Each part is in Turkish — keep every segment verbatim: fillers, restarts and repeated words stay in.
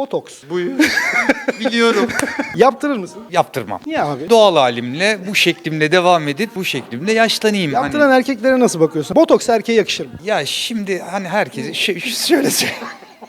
Botoks. Buyur. Biliyorum. Yaptırır mısın? Yaptırmam. Niye abi? Doğal halimle, bu şeklimle devam edip bu şeklimle yaşlanayım. Yaptıran Hani, erkeklere nasıl bakıyorsun? Botoks erkeğe yakışır mı? ya şimdi hani herkese şey, şöyle söyleyeyim.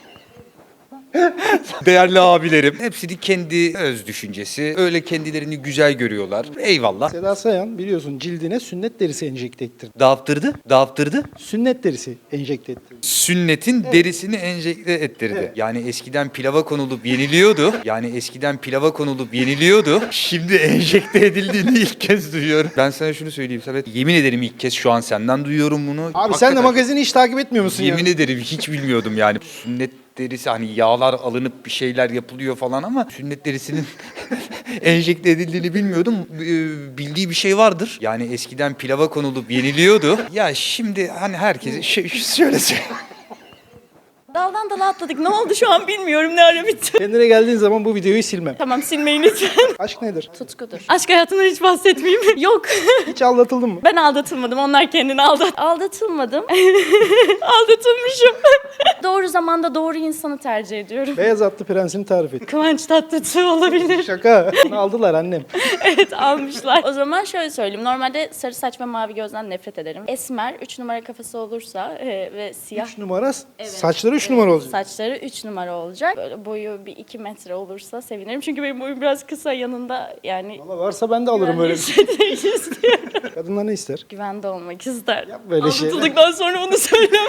Değerli abilerim, hepsinin kendi öz düşüncesi. Öyle kendilerini güzel görüyorlar. Eyvallah. Seda Sayan biliyorsun cildine sünnet derisi enjekte ettirdi. Dağıttırdı, dağıttırdı. Sünnet derisi enjekte ettirdi. Sünnetin derisini enjekte ettirdi. Evet. Yani eskiden pilava konulup yeniliyordu. Yani eskiden pilava konulup yeniliyordu. Şimdi enjekte edildiğini ilk kez duyuyorum. Ben sana şunu söyleyeyim Sabet. Yemin ederim ilk kez şu an senden duyuyorum bunu. Abi sen de Hakikaten magazini hiç takip etmiyor musun yemin ya? ederim hiç bilmiyordum yani. Sünnet derisi hani yağlar alınıp bir şeyler yapılıyor falan ama sünnet derisinin enjekte edildiğini bilmiyordum. Ee, Bildiği bir şey vardır. Yani eskiden pilava konulup yeniliyordu. Ya şimdi hani herkese şey, şöyle söyleyeyim. Daldan dala atladık. Ne oldu şu an bilmiyorum. Ne ara bitti. Kendine geldiğin zaman bu videoyu silmem. Tamam silmeyin lütfen. Aşk nedir? Tutkudur. Aşk hayatından hiç bahsetmeyeyim. Yok. Hiç aldatıldın mı? Ben aldatılmadım. Onlar kendini aldat. Aldatılmadım. Aldatılmışım. Doğru zamanda doğru insanı tercih ediyorum. Beyaz atlı prensini tarif et. Kıvanç Tatlıtuğ olabilir. Şaka. Onu aldılar annem. Evet almışlar. O zaman şöyle söyleyeyim. Normalde sarı saç ve mavi gözden nefret ederim. Esmer üç numara kafası olursa e, ve siyah. üç numara. Saçları üç numara olacak. Saçları üç numara olacak. Böyle boyu bir iki metre olursa sevinirim. Çünkü benim boyum biraz kısa yanında yani. Valla varsa ben de alırım öyle bir şey. Güvenli hissetmek istiyorum. Kadınlar ne ister? Güvende olmak ister. Yap böyle şeyler. Aldatıldıktan sonra onu söylemem.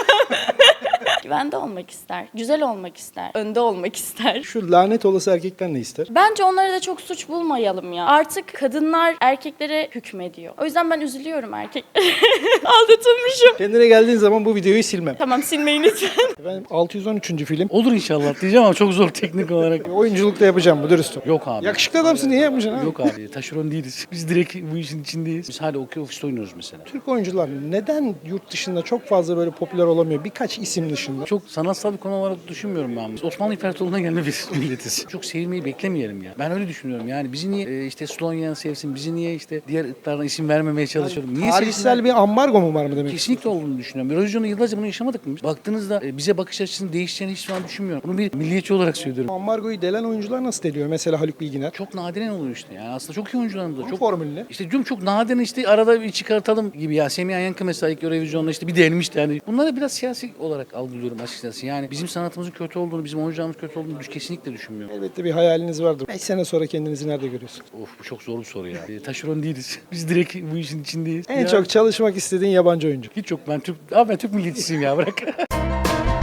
Güvende olmak ister. Güzel olmak ister. Önde olmak ister. Şu lanet olası erkekler ne ister? Bence onları da çok suç bulmayalım ya. Artık kadınlar erkeklere hükmediyor. O yüzden ben üzülüyorum erkek. Aldatılmışım. Kendine geldiğin zaman bu videoyu silmem. Tamam silmeyin lütfen. Efendim altı yüz on üçüncü film. Olur inşallah diyeceğim ama çok zor teknik olarak. Oyunculukta yapacağım bu dürüstüm. Yok abi. Yakışıklı adamsın niye yapmayacaksın abi? Yok abi. Taşeron değiliz. Biz direkt bu işin içindeyiz. Biz hala okey ofiste oynuyoruz mesela. Türk oyuncular neden yurt dışında çok fazla böyle popüler olamıyor? Birkaç isim dışında. Çok sanatsal bir konu olarak düşünmüyorum ben. Biz Osmanlı İmparatorluğu'na gelme bir milletiz. Çok sevilmeyi beklemeyelim ya. Ben öyle düşünüyorum yani. Bizi niye e, işte Slovenya sevsin, bizi niye işte diğer ırklardan isim vermemeye çalışıyorum. Niye Tarihsel sevsinler? bir ambargo mu var mı demek? Kesinlikle olduğunu düşünüyorum. Eurovision'da yıllarca bunu yaşamadık mı? Baktığınızda e, bize bakış açısının değişeceğini hiç şu an düşünmüyorum. Bunu bir milliyetçi olarak söylüyorum. Ambargoyu delen oyuncular nasıl deliyor? Mesela Haluk Bilginer. Çok nadiren oluyor işte. Yani aslında çok iyi oyuncularımız var. Bu Çok formül ne? İşte diyorum çok nadiren işte arada bir çıkartalım gibi ya. Semih Yankı mesela ilk Eurovision'da işte bir delmişti yani. Bunları biraz siyasi olarak algılıyorum açıkçası. Yani bizim sanatımızın kötü olduğunu, bizim oyuncularımız kötü olduğunu düş- kesinlikle düşünmüyorum. Elbette bir hayaliniz vardır. beş sene sonra kendinizi nerede görüyorsunuz? Of bu çok zor bir soru ya. E, taşeron değiliz. Biz direkt bu işin içindeyiz. En Ya, çok çalışmak istediğin yabancı oyuncu. hiç yok ben Türk, abi ben Türk milliyetçisiyim ya bırak.